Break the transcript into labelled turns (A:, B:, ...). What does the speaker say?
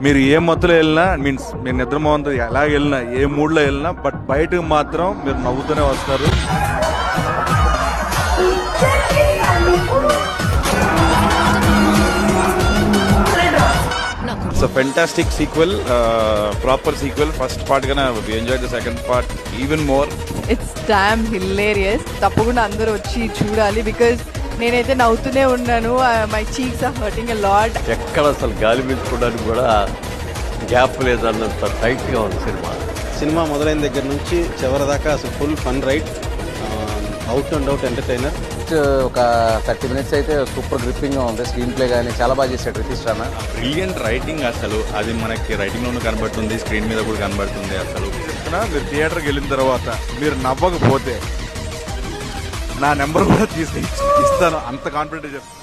A: మీరు ఏ మత్తులో వెళ్ళినా మీన్స్ మీరు నిద్రమోహంతో ఎలా వెళ్ళినా ఏ మూడ్లో వెళ్ళినా బట్ బయటకు మాత్రం మీరు నవ్వుతూనే వస్తారు.
B: It's a fantastic sequel, proper sequel. First part gonna we enjoyed the second part even more.
C: It's damn hilarious. తప్పకుండా అందరూ వచ్చి చూడాలి బికాజ్ నేనైతే నవ్వుతూనే ఉన్నాను. My cheeks are hurting a lot.
D: ఎక్కడ అసలు గాలి పీల్చుకోవడానికి కూడా గ్యాప్ లేదు, అన్నంత టైట్గా ఉంది సినిమా.
E: సినిమా మొదలైన దగ్గర నుంచి చివరి దాకా అసలు full fun ride, out and out entertainer.
F: ఒక 30 minutes అయితే సూపర్ గ్రిప్పింగ్గా ఉంది. స్క్రీన్ ప్లే కానీ చాలా బాగా చేశాడు రితీష్ రానా.
B: బ్రిలియంట్ రైటింగ్, అసలు అది మనకి రైటింగ్ లోనూ కనబడుతుంది, స్క్రీన్ మీద కూడా కనబడుతుంది. అసలు
A: చెప్తున్నా, మీరు థియేటర్కి వెళ్ళిన తర్వాత మీరు నవ్వకపోతే నా నెంబర్ కూడా తీసి ఇస్తాను, అంత కాన్ఫిడెంట్ చెప్తాను.